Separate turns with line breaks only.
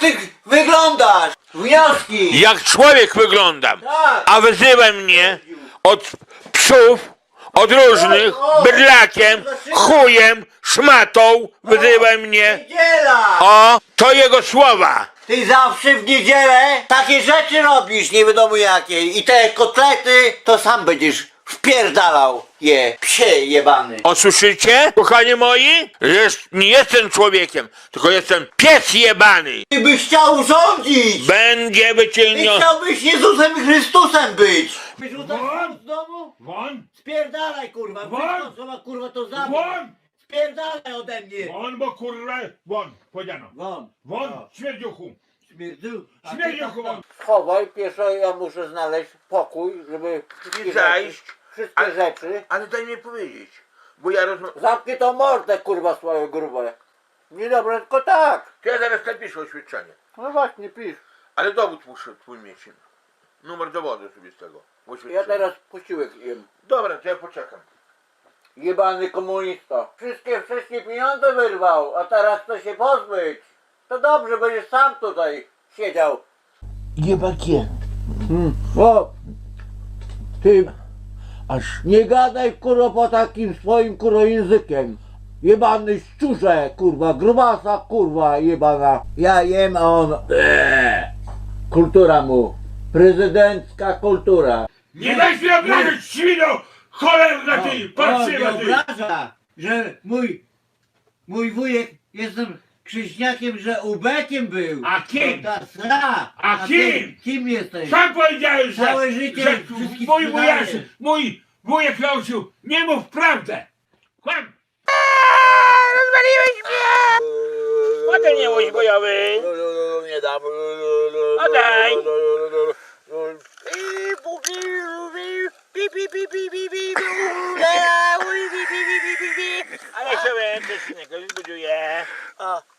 ty wyglądasz? Wnioski!
Jak człowiek wyglądam.
Tak.
A wyzywaj mnie od psów, od różnych, bydlakiem, chujem, szmatą, wyzywaj mnie.
Niedziela!
O, to jego słowa.
Ty zawsze w niedzielę takie rzeczy robisz, nie wiadomo jakie. I te kotlety to sam będziesz wpierdalał je, psie jebany.
O, słyszycie, kochani moi? Nie jestem człowiekiem, tylko jestem pies jebany.
Ty byś chciał rządzić!
Będzie
Ty
wyciągnięty.
chciałbyś Jezusem Chrystusem być! Wyrzucasz
Won!
z domu?
Won!
Spierdalaj kurwa!
Won!
Wszystko co ma kurwa to zabrać!
Won!
Spierdalaj ode mnie!
Won, bo kurwa! Won! Powiedziano!
Won!
Won!
O.
Śmierdziuchu!
Śmierdziu! A ty
Śmierdziuchu
tam-
won!
Schowaj, pierwsze ja muszę znaleźć pokój, żeby wszystkie
zajść.
wszystkie
Ale-
rzeczy.
Ale daj mi powiedzieć, bo ja rozmawiam.
Zamknij tą mordę kurwa swoją grubę. Nie dobra, tylko tak.
To ja zaraz napiszę oświadczenie.
No właśnie, pisz.
Ale dowód muszę twój mieć. Numer dowodu sobie z tego.
Ja teraz posiłek jem.
Dobra, to ja poczekam.
Jebany komunista. Wszystkie pieniądze wyrwał, a teraz chce się pozbyć. To dobrze, będziesz sam tutaj siedział.
Jebakiem.
O! Ty nie gadaj kurwa po takim swoim kurwa językiem. Jebany szczurze kurwa, grubasa kurwa jebana. Ja jem, a on... Kultura mu. Prezydencka kultura.
Nie daj się obrazić, świno! Cholerna ty! Patrzyła ty!
obraża, że mój wujek, jestem krzyżniakiem, że ubekiem był.
A kim?
To ta sra.
A kim?
Kim jesteś?
Sam powiedziałeś, że,
Całe życie
że
wszystkich
mój
sprzedajesz.
mój wujek nauczył, nie mów prawdę! Kłam!
Rozwaliłeś mnie! Potem nie łódź bojowy.
Nie dam.
Oddaj. Ale się więcej, zbuduję.